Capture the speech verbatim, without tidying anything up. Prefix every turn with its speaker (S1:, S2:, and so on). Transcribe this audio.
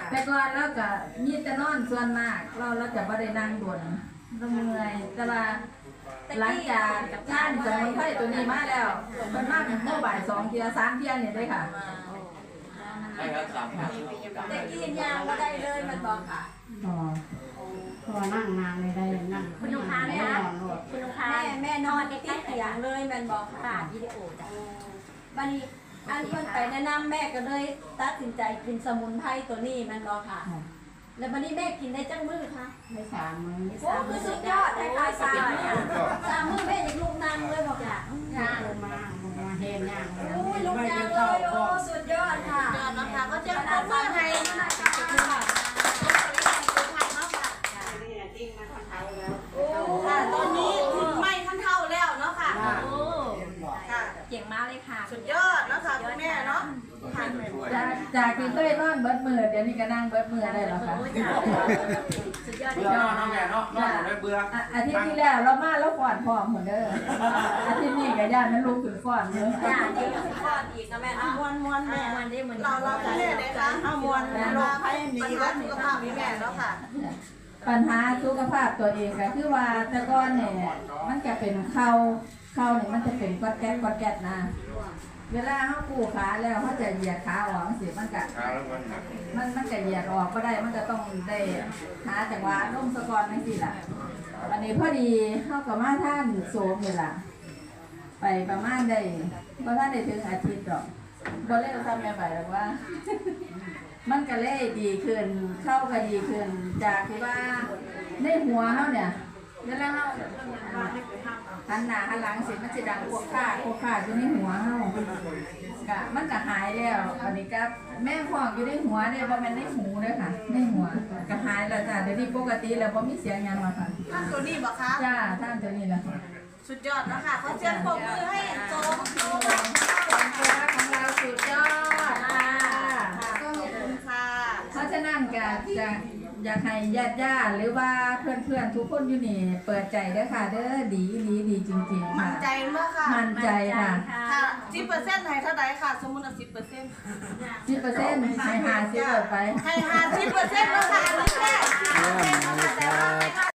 S1: แต่ก่อนเราก็มีแต่นอนส่วนมากเราเราจะไม่ได้นั่งด่วนเราเมื่อยแต่ว่าหลังจากงานสมุนไพรตัวนี้มาแล้วมันมากเมื่อบ่ายสองเทียสามเทียเนี่ยเลยค่ะ
S2: ได้ครับสามพัน
S3: แต่กินยาก็ได้เลยมันบอกค่ะ
S4: พอพอนั่งนานเลยได้นั่ง
S3: คุณลูกค้าไหมคะคุณลูกค้าแม่แม่นอนในที่เตียงเลยมันบอกค่ะวิดีโอจ้ะบันนี้อันเพิ่นไปแนะนำแม่ก็เลยตัดสินใจกินสมุนไพรตัวนี้มันบอกค่ะ แล้วบันนี้แม่กินได้จังมือคะ
S4: ได้สามมื้อ
S3: โอ้คือสุดยอดได้ค่ะสามสามมือแม่ยังลูกนั่งเลยบอกค่ะค่ะ
S4: ลงมาลงมาเฮ็ดย่างเลย
S3: โอ้ยลูกนั่งเลยโอ้สุดยอดค่ะยอดนะคะก็จะขอบคุณให้ค่ะตอนนี้ถึงไม่ขั้นเท่าแล้วเนาะค่ะโอ้ค่ะเก่งมากเลยค่ะสุดยอดนะคะคุณแม่เนาะ
S1: จากจากที่เคยนอนเบิดมือเดี๋ยวนี้ก็นั่งเบิดมือได้แล้วค่ะ
S3: สุดยอด
S2: เบื่อนอนน้องแม่เนาะนอนได้เบื่อ
S1: อาทิตย์ที่แล้วเรามาแล้วก่อนพร้อมหมดเด้ออาทิตย์นี้ก็ย่านนั้นลูกถึงก่อนเด้อ
S3: จ้าเดี๋ยวสุดยอดอีกนะแม่มวนมวนแม่มวนได้เหมือนเราเราแม่เลยค่ะเอามวนเราให้มีและสุขภาพมีแม่แล้วค่ะ
S1: ปัญหาสุขภาพตัวเองก็คือว่าแต่ก่อนเนี่ยมันจะเป็นเข่าเข่าเนี่ยมันจะเป็นกอดแก๊ดกอดแก๊ดนะเวลาเขากู้ขาแล้วเขาจะเหยียดขาออกสิมันก็มันมันจะเหยียดออกก็ได้มันก็ต้องได้หาจังหวะร่มสะกอนนั่นสิล่ะวันนี้พอดีเขากับมาท่านโสมนี่ล่ะไปประมาณได้เพราะท่านได้ถึงอาทิตย์หรอกบอเล่ทำแม่ไปหรอกว่า มันก็เลยดีขึ้นเข้าก็ดีขึ้นจากที่ว่าในหัวเขาเนี่ยเวลาเขาหันหน้าหันหลังเสร็จมันจะดังพวกข้าพวกข้าอยู่ในหัวเขากะมันก็หายแล้วอันนี้ก็แม่ฟองอยู่ในหัวเนี่ยเพราะมันในหูเลยค่ะในหัวก็หายแล้วจ้ะเดี๋ยวนี้ปกติแล้วพอมีเสียงยังมาค่ะ
S3: ท่านตัวนี้บอกคะ
S1: จ้าท่านตัวนี้แหละค่ะ
S3: สุดยอดนะคะขอเชิญปรบมือให้โจมโจม
S1: ของเราสุดยอดค่ะ
S3: ขอบคุณค่ะ
S1: เพราะฉะนั้นก็จะอยากให้ญาติญาติหรือว่าเพื่อนๆทุกคนอยู่นี่เปิดใจเด้อค่ะเด้อดีดีดีจริงๆ
S3: มั่
S1: ค่ะ
S3: นใจมากค่ะ
S1: มั่นใจค่ะ
S3: ค่ะสิบเปอร์เซ็นต์ให้เท่าไหร่ค่ะ สมมุติว่าสิบเปอร์เซ็นต์
S1: สิบเปอร์เซ็นต์ให้หาสิบไป
S3: ให้ห้าสิบเปอร์เซ็นต์แล้วค่ะอันนี้แค่